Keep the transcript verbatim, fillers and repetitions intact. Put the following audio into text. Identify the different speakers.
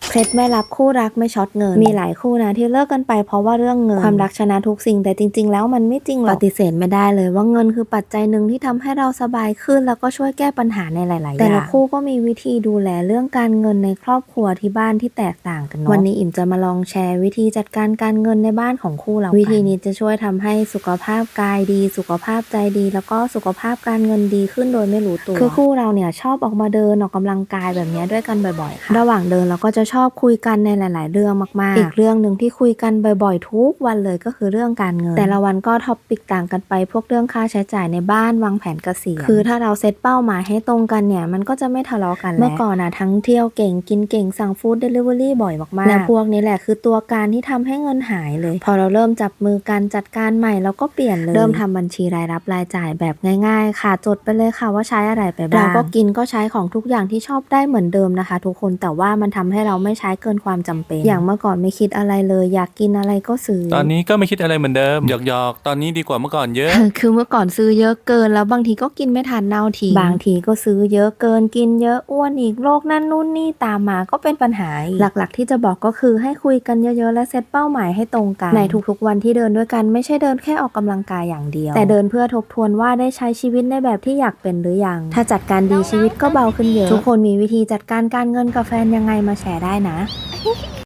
Speaker 1: เคล็ดไม่ลับคู่รักไม่ช็อตเงินมีหลายคู่นะที่เลิกกันไปเพราะว่าเรื่องเงินความรักชนะทุกสิ่งแต่จริงๆแล้วมันไม่จริงหรอกปฏิเสธไม่ได้เลยว่าเงินคือปัจจัยหนึ่งที่ทำให้เราสบายขึ้นแล้วก็ช่วยแก้ปัญหาในหลายๆอย่างแต่ละคู่ก็มีวิธีดูแลเรื่องการเงินในครอบครัวที่บ้านที่แตกต่างกันเนาะวันนี้อิ่มจะมาลองแชร์วิธีจัดการการเงินในบ้านของคู่เราวิธีนี้จะช่วยทำให้สุขภาพกายดีสุขภาพใจดีแล้วก็สุขภาพการเงินดีขึ้นโดยไม่รู้ตัวคือคู่เราเนี่ยชอบออกมาเดินออกกำลังกายแบบนี้ด้วยกันบ่อยๆค่ะระหว่างเดินเราก็จะชอบคุยกันในหลายๆเรื่องมากๆอีกเรื่องหนึ่งที่คุยกันบ่อยๆทุกวันเลยก็คือเรื่องการเงินแต่ละวันก็ท็อปปิกต่างกันไปพวกเรื่องค่าใช้จ่ายในบ้านวางแผนเกษียณคือถ้าเราเซตเป้าหมายให้ตรงกันเนี่ยมันก็จะไม่ทะเลาะกันแล้วเมื่อก่อนนะทั้งเที่ยวเก่งกินเก่งสั่งฟู้ดเดลิเวอรี่บ่อยมากๆและพวกนี้แหละคือตัวการที่ทำให้เงินหายเลยพอเราเริ่มจับมือกันจัดการใหม่เราก็เปลี่ยนเลยเริ่มทำบัญชีรายรับรายจ่ายแบบง่ายๆค่ะจดไปเลยค่ะว่าใช้อะไรไปบ้างเราก็กินก็ใช้ของทุกอย่างที่ชอบได้เหมือนเดิมนะคะทุกคนแต่ว่ามันทำให้เราไม่ใช้เกินความจำเป็นอย่างเมื่อก่อนไม่คิดอะไรเลยอยากกินอะไรก็ซื้อ
Speaker 2: ตอนนี้ก็ไม่คิดอะไรเหมือนเดิมหยอกๆตอนนี้ดีกว่าเมื่อก่อนเยอะ
Speaker 1: คือเมื่อก่อนซื้อเยอะเกินแล้วบางทีก็กินไม่ทันเน่าทิ้งบางทีก็ซื้อเยอะเกินกินเยอะอ้วนอีกโรคนั่นนู่นนี่ตามมาก็เป็นปัญหาหลักๆที่จะบอกก็คือให้คุยกันเยอะๆและเซตเป้าหมายให้ตรงกันในทุกๆวันที่เดินด้วยกันไม่ใช่เดินแค่ออกกำลังกายอย่างเดียวแต่เดินเพื่อทบทวนว่าได้ใช้ชีวิตในแบบที่อยากเป็นหรือยังถ้าจัดการดีชีวิตก็เบาขึ้นเยอะทุกคนมีวิธีจัดการการเงินกับแฟนยังไงมาแชร์ได้นะ